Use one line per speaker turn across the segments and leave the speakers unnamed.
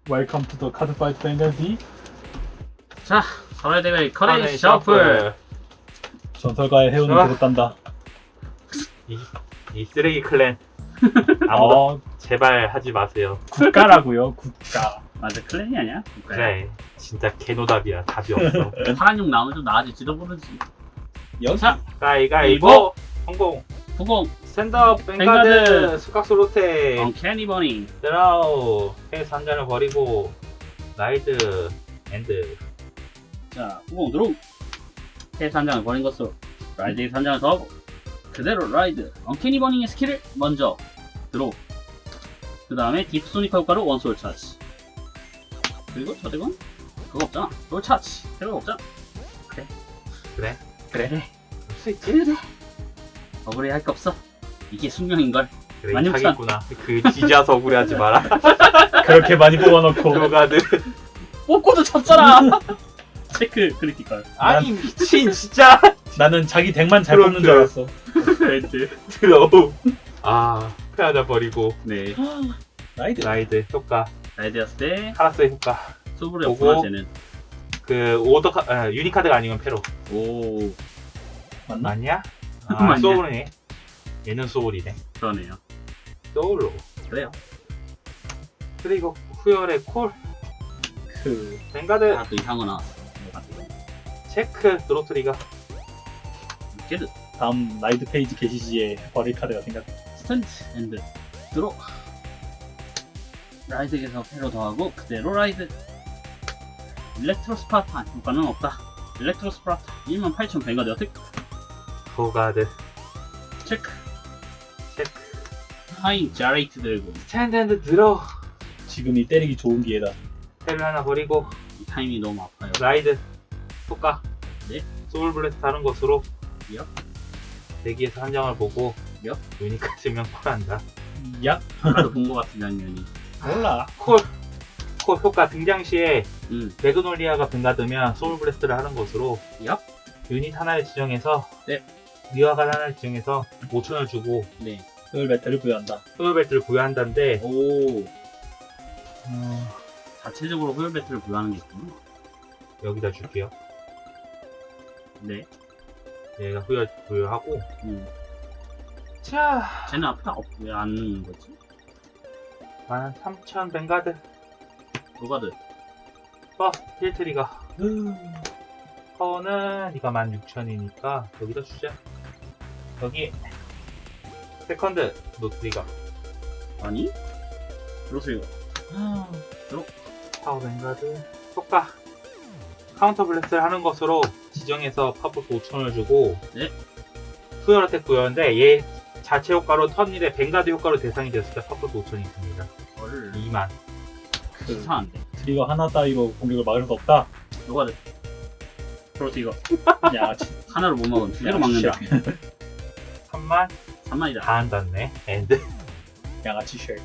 웰컴 투 더 카드 파이트 뱅글디.
자, 서울의 대회 커레이 셔플.
전설가의 해운을
좋아.
들었단다.
이 쓰레기 클랜 아무도
어,
제발 하지 마세요.
국가라고요, 국가.
맞아, 클랜이 아니야?
그래 진짜 개노답이야. 답이 없어.
파란 용 나오면 좀 나아질지도 모르지.
여기
자,
가위가위보 성공.
90,
스탠드업
뱅가드.
뱅가드 수각수 로테
언캐니 버닝.
드라우 페이스 한 잔을 버리고 라이드 엔드.
자, 90 드로우. 패스 한 장을 버린 것으로 라이드에서 한 장을 더하고 그대로 라이드 언캐니 버닝의 스킬을 먼저 드로우. 그 다음에 딥 소니카 효과로 원소울 차지. 그리고 저 대건 그거 없잖아. 롤 차지. 필요가 없잖아.
그래
그래.
할수 있지.
그래. 억울해 할 거 없어. 이게 숙명인걸.
그래
많이
하겠구나. 그 지지아서 억울해하지 마라.
그렇게 많이 뽑아놓고.
노가드.
뽑고도 졌잖아. 체크 크리티컬.
아니 미친 진짜.
나는 자기 덱만 잘
그럼
뽑는 줄 알았어.
레드.
드로우. 아 페하자 버리고
네.
라이드.
라이드 효과
라이드였을 때
카라스의 효과.
소불이
보고.
없구나 쟤는.
그 오더 유니카드가 아니면 페로.
오,
맞나?
맞냐?
맞냐?
아 소울이네. 얘는 소울이네.
그러네요.
소울로.
그래요.
그리고 후열의 콜.
그
뱅가드
아, 또 이상한 거 나왔어.
체크 드로트리가.
게드.
다음 라이드 페이지 게시 시에 버릴 카드가 생각.
스탠드 엔드 드로. 라이드에서 패로 더하고 그대로 라이드. 일렉트로 스파르타 효과는 없다. 일렉트로 스파르타 18,000 뱅가드 어택.
호가드
체크.
체크.
하인 자레이트 들고
스탠드 앤드 들어.
지금이 때리기 좋은 기회다.
텔을 하나 버리고
이 타이밍이 너무 아파요.
라이드 효과.
네.
소울 블레스 다른 것으로
야.
대기에서 한 장을 보고
야.
유니카 쓰면 콜한다.
야,
아까도 본 것 같은 장면이.
몰라.
콜 효과 등장 시에
음.
매그놀리아가 뱅가드면 소울 블레스트를 하는 것으로
야.
유닛 하나를 지정해서
네.
미화가 하나를 지정해서 5,000을 주고
네.
을 배틀을 부여한다.
소울 벨트를 부여한다는데
오. 자체적으로 호열 배틀을 부여하는 게 있구나.
여기다 줄게요.
네.
얘가 후열 부여하고. 자
쟤는 앞에 왜안 넣는 거지?
13,000 뱅가드
로가드.
버스 힐트리가. 파워는 네가 16,000이니까 여기다 주자. 여기 세컨드 노트리가.
아니? 그러세요.
파워 뱅가드 효과 카운터 블래스를 하는 것으로 지정해서 파워포스 5,000을 주고.
네.
후열 어택 부여인데 얘 자체 효과로 턴일에 뱅가드 효과로 대상이 됐을 때 파워포스 5,000이 있습니다.
헐.
2만.
그
이상한데.
트리거 하나 따위로 공격을 막을 수 없다.
로가드. 그렇지 이거.
야,
하나로 못 막으면 두 개로 막는다.
3만
3만이다.
다 한다네. 엔드.
양아치 쉘.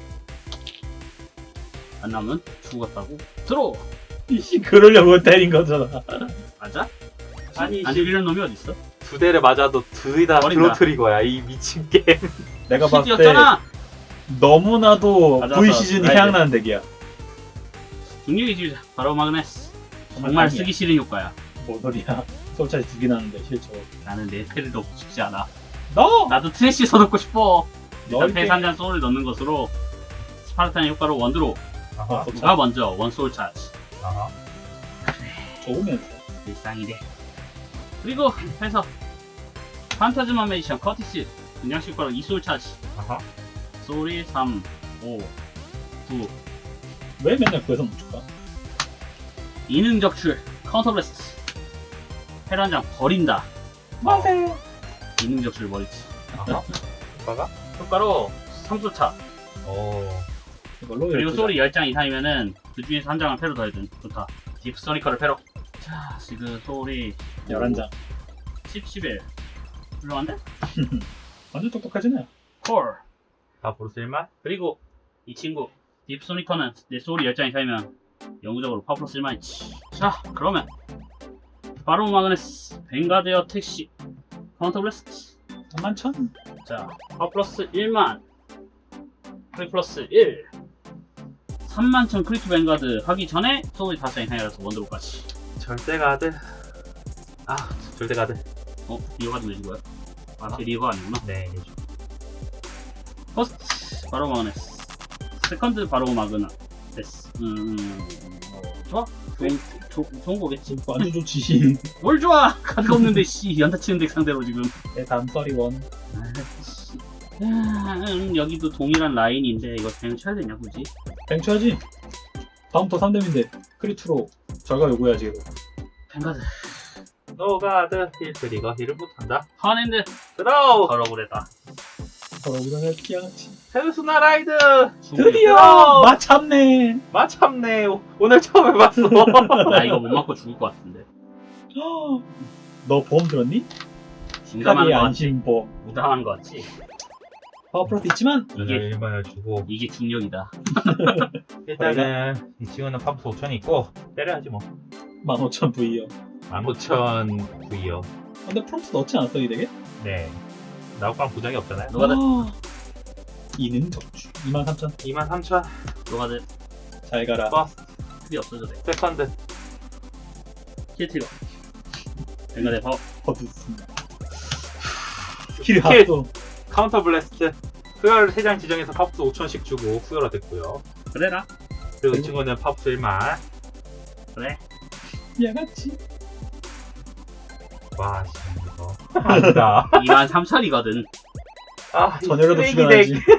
안 나오면 죽었다고. 들어.
이씨, 그러려고 때린 거잖아.
맞아?
아니,
아니 이런 놈이 어딨어?
두 대를 맞아도 둘이 다
버린다.
드로트리거야. 이 미친 게임.
내가 봤을 때
시즈였잖아.
너무나도
맞았어.
V 시즌이
라이드.
생각나는 덱이야.
중력의 지우자. 바로 마그네스. 정말
아니야.
쓰기 싫은 효과야.
뭔 소리야. 솔차이 두개 나는데 실제로.
나는 내 패를 넣고 싶지 않아.
너!
나도 트래쉬에서 넣고 싶어.
너
일단 패스 한잔 소울을 넣는 것으로 스파르탄의 효과로 원드로.
아하.
누가 먼저 원소울 차지.
아하.
좋으면서.
일상이래. 그리고 해서 판타즈마 메디션 커티스 분양식 효과로 2소울 차지.
아하.
소울이 3, 5, 9
왜 맨날 구해서 못 줄까?
이능 적출 카운터 블래스트 패를 한 장 버린다.
마세요.
이능 적출 버리지.
아하. 효과가?
효과로 3소 차.
오.
이걸로
그리고
12장.
소울이 10장 이상이면은 그 중에서 한 장을 패로 더해준. 좋다. 딥 소니커를 패로. 자, 지금 소울이
11장.
10, 11 훌륭한데?
완전 똑똑하지네.
콜.
다 보르실만?
그리고 이 친구 딥 소니커는 내 소울이 10장 이상이면 영구적으로 파워 플러스 1만 있지. 자, 그러면 바로 마그네스 뱅가드어 택시 카운터 블래스트.
31,000.
자, 파워 플러스 1만 프리 플러스 1 31,000 크리트 뱅가드 하기 전에 소울이 5장이 하이라서 원드로까지.
절대 가드. 아, 절대 가드.
리어 가드 내준 거야? 아,
어?
제 리어가 아니구나.
네.
퍼스트, 바로 마그네스. 세컨드, 바로 마그나. 됐어. 좋아? 좋은 거겠지.
완전 좋지.
뭘 좋아! 카드가 없는데, 씨. 연타 치는 덱 상대로 지금.
네, 다음 썰이원.
여기도 동일한 라인인데, 이거 그냥 쳐야 되냐, 굳이?
뱅쳐야지. 다음부터 3뎀인데 크리트로 절가 요구해야지. 이거.
뱅가드.
노가드 힐 트리거 힐을 못한다.
하는데,
드로우.
더러구래다.
우리가 피아같이.
페르소나 라이드.
드디어 마참네.
마참네. 오늘 처음 해봤어.
나 이거 못 맞고 죽을 것 같은데.
너 보험 들었니?
민감한
카디의
거 같지?
안심보험.
무당한 거 같지?
파워 플러스 있지만
이게-
얼마나 주고.
이게 중력이다.
일단은 이 친구는 팝스 5천이 있고 때려야지 뭐.
15,000 V요.
15,000 V요.
근데 프롬스 넣지 않았어 이 덱에?
네. 나우깡 부작이 없잖아요.
노가드.
이는 적주. 23,000.
23,000
노가드.
잘 가라.
버스
필이 없어져 돼.
세컨드.
힐트리거. 뱅가드 버.
거두습니다. 스킬
스킬.
합도.
카운터 블래스트. 수혈 3장 지정해서 팝스 5천씩 주고 수혈화 됐고요.
그래라.
그리고 이 친구는 팝스 1만.
그래.
야같이.
와, 씨, 이거. 아니다.
23,000이거든.
아, 이
전열에도
쓰레기
죽여야지.
덱.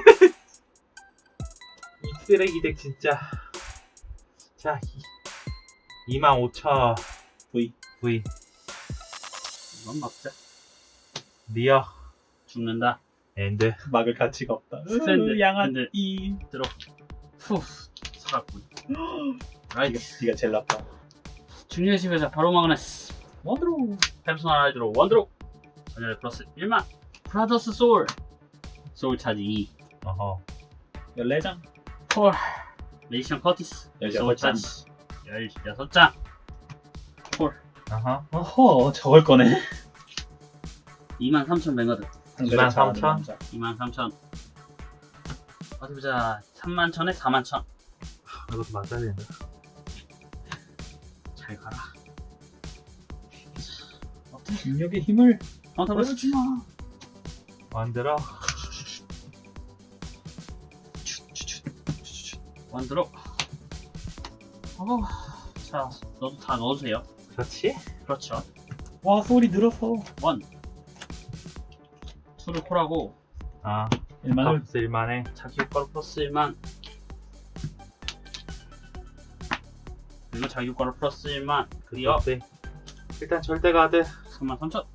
이 쓰레기 덱 진짜. 자, 25,000
V.
V.
이건 막자.
리어.
죽는다.
엔드.
막을 가치가 없다.
스탠드.
양아치. 이.
들어. 후. 살았군. 라이트.
네가 제일 나빠.
중요한 집에서 바로 마그네스.
원드로.
페르소나 라이드로 원드로. 전열 플러스 1만. 브라더스 소울. 소울 차지 2.
어허.
14장.
콜. 레이션 커티스.
16
소울
장.
차지 16장. 콜.
어허.
어허, 저걸 거네.
23,000 뱅가드.
23,000?
23,000. 어디 보자. 31,000에 41,000.
이것도 맞아야 된다.
잘 가라.
중력의 힘을
카운터 블레스.
보여주마.
만들어.
원드로. 자, 너도 다 넣어주세요.
그렇지?
그렇죠.
와, 소리 늘었어.
원. 수를 콜하고
아,
일만을
팝스 1만에.
자기 효과로 플러스 1만. 그리고 자기 효과로 플러스 1만. 그리어
네. 일단 절대 가드.
33,000.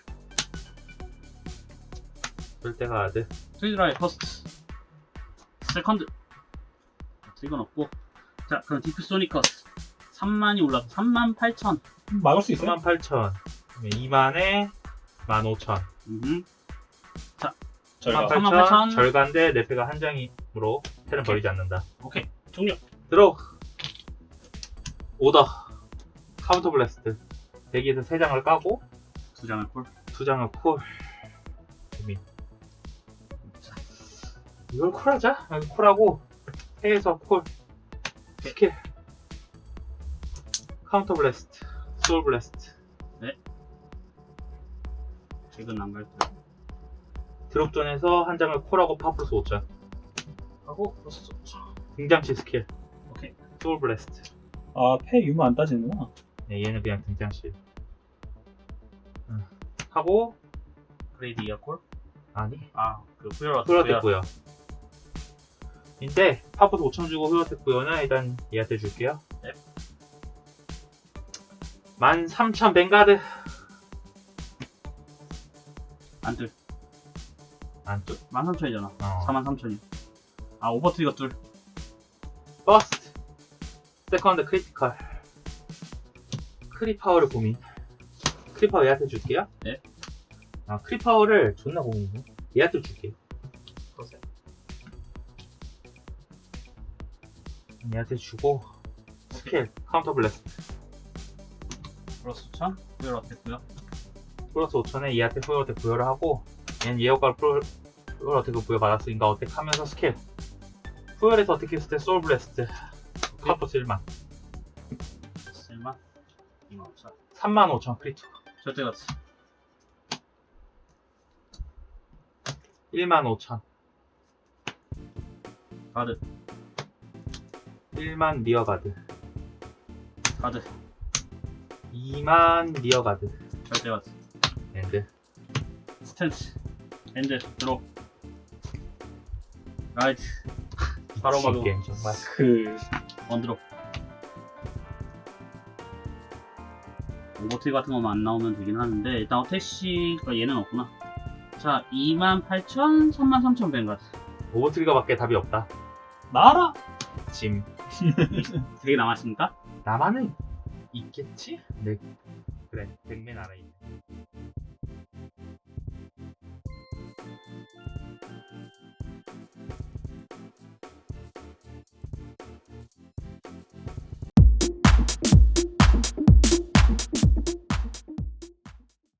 절대 가드.
트리드라이 퍼스트. 세컨드. 이건 없고. 자, 그럼 디프 소니커스. 3만이 올라서 38,000.
막을 수 있어요?
38,000. 2만에 15,000.
절가.
38,000 절간데 레페가 한 장이므로 테는 버리지 않는다.
오케이. 종료.
들어. 오더. 카운터 블래스트. 대기에서 3장을 까고
2장을 콜.
2장을 콜. 재미. 이걸 콜하자. 여기 콜하고 해에서 콜. 스킬. 카운터 블래스트. 소울 블래스트.
지금 안 갈 때.
드롭존에서 한 장을 콜하고 파플러스 5천.
하고 플러스 5,000.
등장시 스킬.
오케이.
소울 블래스트.
아, 패 유무 안 따지는구나.
네, 얘는 그냥 등장시. 하고
그레이드 이어 콜.
아니
그 후열어.
후려됐고요. 인데 파프스 5천 주고 후려됐고요는 일단 얘한테 줄게요.
네.
13,000 뱅가드.
안둘.
안 뚜?
13,000이잖아.
어.
43,000이. 오버트리거 둘.
버스트. 세컨드 크리티컬. 크리파워를 고민. 크리파워 얘한테 줄게요.
네.
크리파워를 존나 고민이네. 얘한테 줄게요.
그러세요.
얘한테 주고 스킬 카운터 블래스트.
플러스 5,000. 후열어 됐고요.
플러스 5천에 얘한테 후열 어택 부여를 하고 얘는 얘 효과를 후열 어택을 부여받았으니까 어택하면서 스킬 후열에서 어택했을 때 소울 블래스트 카포스 1만.
쓸마 25,000
35,000 크리투.
절대 가치
15,000.
가드
1만 리어가드.
가드
2만 리어가드.
절대 가치
엔드.
스탠스 엔드 드로 라이트 바로
미친
막음
게임 정말.
그
원드로 오버트 같은 것만 안 나오면 되긴 하는데 일단 어택시가 얘는 없구나. 자 28,000 33,000 뱅가드
오버트리거밖에 답이 없다.
나라.
짐.
되게 남았습니까?
나만은 있겠지? 네. 그래. 백맨 알아 있네.